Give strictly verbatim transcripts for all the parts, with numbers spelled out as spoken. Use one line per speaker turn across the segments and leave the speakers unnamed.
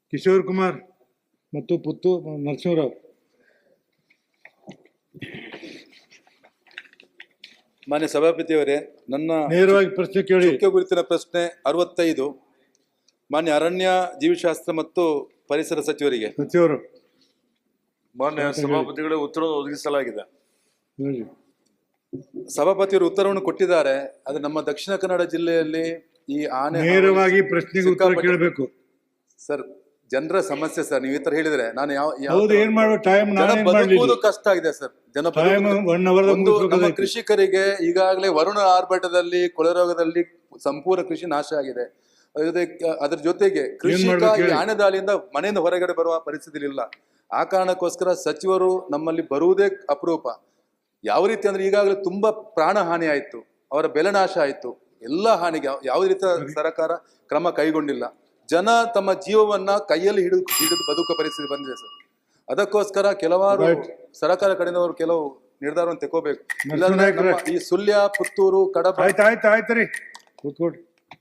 ಕಿಶೋರ್ ಕುಮಾರ್ ಮತ್ತು ಪುತ್ತು ನರಸಿಂಹರಾವ್.
ಮಾನ್ಯ ಸಭಾಪತಿಯವರೇ, ನನ್ನ
ನೇರವಾಗಿ ಪ್ರಶ್ನೆ ಕೇಳಿ.
ಮುಖ್ಯ ಗುರುತಿನ ಪ್ರಶ್ನೆ ಅರವತ್ತೈದು ಮಾನ್ಯ ಅರಣ್ಯ ಜೀವಿಶಾಸ್ತ್ರ ಮತ್ತು ಪರಿಸರ ಸಚಿವರಿಗೆ.
ಸಚಿವರು
ಮಾನ್ಯ ಸಭಾಪತಿಗಳೇ, ಉತ್ತರವನ್ನು ಒದಗಿಸಲಾಗಿದೆ.
ಹೇಳಿ.
ಸಭಾಪತಿಯವರು ಉತ್ತರವನ್ನು ಕೊಟ್ಟಿದ್ದಾರೆ. ಅದು ನಮ್ಮ ದಕ್ಷಿಣ ಕನ್ನಡ ಜಿಲ್ಲೆಯಲ್ಲಿ ಈ ಆನೆ
ನೇರವಾಗಿ ಪ್ರಶ್ನೆಗೆ ಉತ್ತರ
ಸಿಕ್ಕಾಪಟ್ಟೆ-
ಕೇಳಬೇಕು
ಸರ್, ಜನರ ಸಮಸ್ಯೆ ಸರ್. ನೀವು ಈ ತರ ಹೇಳಿದ್ರೆ ನಾನು ಯಾವ ಯಾವ
ಹೌದು, ಏನ್ ಮಾಡುವ ಟೈಮ್
ಜನ
ನಾನು
ಬದುಕುವುದು ಕಷ್ಟ ಆಗಿದೆ ಸರ್. ಜನ
ಟೈಮ್
ಬದುಕುವುದು-
ಒನ್ ಅವರ್
ಒಂದು ನಮ್ಮ ಕೃಷಿಕರಿಗೆ ಈಗಾಗಲೇ ವರುಣ ಆರ್ಭಟದಲ್ಲಿ ಕೊಳೆರೋಗದಲ್ಲಿ ಸಂಪೂರ್ಣ ಕೃಷಿ ನಾಶ ಆಗಿದೆ. ಅದ್ರ ಜೊತೆ- ಅದ್ರ ಜೊತೆಗೆ ಕೃಷಿಕ
ಮಾಡ್ಬೇಕು
ಈ
ಹೇಳಿ?
ಆನೆ ದಾಳಿಯಿಂದ ಮನೆಯಿಂದ ಹೊರಗಡೆ ಬರುವ ಪರಿಸ್ಥಿತಿ ಇಲ್ಲ. ಆ ಕಾರಣಕ್ಕೋಸ್ಕರ ಸಚಿವರು ನಮ್ಮಲ್ಲಿ ಬರುವುದೇ ಅಪರೂಪ. ಯಾವ ರೀತಿ ಅಂದ್ರೆ ಈಗಾಗಲೇ ತುಂಬಾ ಪ್ರಾಣ ಹಾನಿ ಆಯ್ತು, ಅವರ ಬೆಲೆ ನಾಶ ಆಯ್ತು, ಎಲ್ಲ ಹಾನಿಗೆ ಯಾವ- ಯಾವುದೇ ರೀತಿಯ ಸರ್ಕಾರ ಕ್ರಮ ಕೈಗೊಂಡಿಲ್ಲ. ಜನ ತಮ್ಮ ಜೀವವನ್ನ ಕೈಯಲ್ಲಿ ಹಿಡಿದು ಹಿಡಿದು ಬದುಕುವ ಪರಿಸ್ಥಿತಿ ಬಂದಿದೆ ಸರ್. ಅದಕ್ಕೋಸ್ಕರ ಕೆಲವಾರು
Right.
ಸರ್ಕಾರ ಕಡೆಯವರು ಕೆಲವು ನಿರ್ಧಾರವನ್ನು ತಗೋಬೇಕು. ಇಲ್ಲಾಂದ್ರೆ
ನರಸಿಂಹನಾಯ್ಕರೇ.
ನಮ್ಮ ಈ ಸುಳ್ಯ, ಪುತ್ತೂರು, ಕಡಬ
ಆಯ್ತು ಆಯ್ತು ಆಯ್ತು ರೀ, ಕೂತ್ಕೊಡ್ರಿ.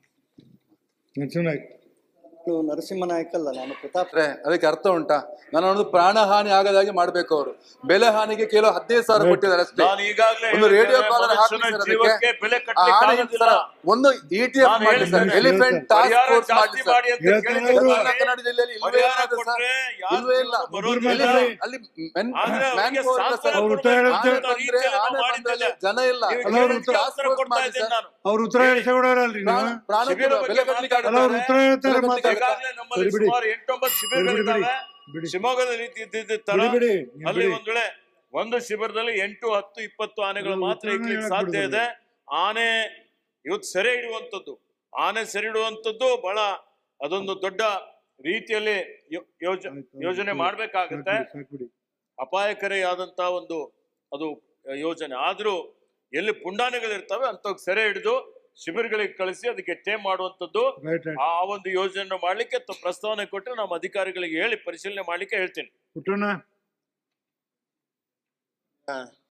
ನರಸಿಂಹನಾಯ್ಕ.
ನರಸಿಂಹನಾಯ್ಕ ಅಲ್ಲ, ನಾನು ಪ್ರತಾಪ್.
ಅಂದ್ರೆ ಅದಕ್ಕೆ ಅರ್ಥ ಉಂಟಾ? ನಾನು ಅನ್ನೋದು ಪ್ರಾಣ ಹಾನಿ ಆಗದಾಗೆ ಮಾಡ್ಬೇಕು. ಅವರು ಬೆಲೆ ಹಾನಿಗೆ ಕೇವಲ ಹದಿನೈದು ಸಾವಿರ ಕೊಟ್ಟಿದ್ದಾರೆ ಅಷ್ಟೇ.
ನಾನು ಈಗಾಗಲೇ
ಒಂದು ರೇಡಿಯೋ
ಹೇಳಿದ್ದೇನೆ,
ಕಾಲರ್ ಹಾಕಿ
ಮನುಷ್ಯನ
ಸರ್
ಜೀವಕ್ಕೆ
ಅದಕ್ಕೆ.
ಬೆಲೆ
ಆ
ಕಟ್ಟಲಿಕ್ಕೆ
ಹಾನಿ
ಆಗೋದಿಲ್ಲ.
ಸರ್, ಒಂದು ಇ ಟಿ ಎಫ್
ನಾನು
ಮಾಡಿ ಸರ್,
ಹೇಳ್ತೇನೆ.
ಎಲಿಫೆಂಟ್ ಟಾಸ್ಕ್
ಪರಿಹಾರ
ಫೋರ್ಸ್ ಮಾಡಿ
ಜಾಸ್ತಿ
ಸರ್.
ಮಾಡಿ ಅಂತ
ಹೇಳ್ತೇನೆ
ಕೇಳಿದ್ರೆ
ಅವರು.
ದಕ್ಷಿಣ ಕನ್ನಡ ಜಿಲ್ಲೆಯಲ್ಲಿ ಇಲ್ವೇ
ಪರಿಹಾರ
ಇಲ್ಲ ಸರ್.
ಕೊಟ್ರೆ ಯಾರು
ಇಲ್ವೇ ಇಲ್ಲ.
ಬರೋದಿಲ್ಲ.
ಎಲಿಫೆಂಟ್ ಅಲ್ಲಿ ಮೆನ್-
ಆದ್ರೆ
ಮ್ಯಾನ್
ಅವ್ರಿಗೆ
ಪವರ್ ಇಲ್ಲ
ಶಾಸ್ತ್ರ
ಸರ್.
ಅವ್ರು ಉತ್ತರ
ಕೊಡ್ಬೇಕು
ಹೇಳ್ತಾರೆ.
ಅಂತ
ಆನೆ ಬಂದ್ರೆ
ರೀತಿಯಲ್ಲಿ
ಆನೆ
ನಾವು
ಬಂದ್ರೆ
ಮಾಡಿದ್ದೇವೆ.
ಜನ ಇಲ್ಲ.
ನೀವು
ಅಲ್ಲ, ಅವ್ರು
ಹೇಳಿದ್ದಕ್ಕೆ
ಉತ್ತರ
ಉತ್ತರ ಕೊಡ್ತಾ ಇದ್ದೇನೆ ನಾನು.
ಅವ್ರು ಉತ್ತರ ಹೇಳ್ಸೋಡಲ್ರಿ ನೀವು.
ಪ್ರಾಣ- ಪ್ರಾಣಕ್ಕೆ
ಶಿಬಿರ
ಬೆಲೆ
ಬಗ್ಗೆ
ಕಟ್ಟಲಿಕ್ಕೆ
ಅಲ್ಲ, ಅವ್ರು ಉತ್ತರ ಹೇಳ್ತಾರೆ
ಬೆಲೆ
ಮಾತಾಡ್ತಾರೆ.
ಈಗಾಗಲೇ ನಮ್ಮಲ್ಲಿ
ಬಿಡಿ, ಬಿಡಿ.
ಸುಮಾರು ಎಂಟೊಂಬತ್ತು ಶಿಬಿರಗಳಿದ್ದಾವೆ.
ಬಿಡಿ.
ಶಿವಮೊಗ್ಗದ ರೀತಿ ಇದ್ದಿದ್ದ ತರ
ಬಿಡಿ, ಬಿಡಿ, ನೀವು
ಅಲ್ಲಿ
ಬಿಡಿ.
ಒಂದ್ ವೇಳೆ ಒಂದು ಶಿಬಿರದಲ್ಲಿ ಎಂಟು ಹತ್ತು ಇಪ್ಪತ್ತು ಆನೆಗಳು
ಅದು
ಮಾತ್ರ
ಉತ್ತರನೇ
ಇಡ್ಲಿಕ್ಕೆ
ಹೇಳಕ್
ಸಾಧ್ಯ
ಬಿಡುದಿಲ್ಲ.
ಇದೆ. ಆನೆ ಇವತ್ತು ಸೆರೆ ಹಿಡುವಂಥದ್ದು, ಆನೆ ಸೆರೆ ಹಿಡುವಂಥದ್ದು ಬಹಳ ಅದೊಂದು ದೊಡ್ಡ ರೀತಿಯಲ್ಲಿ ಯೋ- ಯೋಜ ಯೋಜನೆ ಮಾಡ್ಬೇಕಾಗತ್ತೆ.
ಸಾಕ್ಬಿಡಿ.
ಅಪಾಯಕಾರಿಯಾದಂತ ಒಂದು ಅದು ಯೋಜನೆ. ಆದ್ರೂ ಎಲ್ಲಿ ಪುಂಡಾನೆಗಳಿರ್ತವೆ ಅಂತ ಸೆರೆ ಹಿಡಿದು ಶಿಬಿರಗಳಿಗೆ ಕಳಿಸಿ ಅದಕ್ಕೆ ಟೇಮ್ ಮಾಡುವಂಥದ್ದು,
ರೈಟ್ ರೈಟ್.
ಆ ಒಂದು ಯೋಜನೆ ಮಾಡ್ಲಿಕ್ಕೆ ತ- ಪ್ರಸ್ತಾವನೆ ಕೊಟ್ಟರೆ ನಮ್ಮ ಅಧಿಕಾರಿಗಳಿಗೆ ಹೇಳಿ ಪರಿಶೀಲನೆ ಮಾಡ್ಲಿಕ್ಕೆ ಹೇಳ್ತೀನಿ.
ಪುಟ್ಟಣ್ಣ.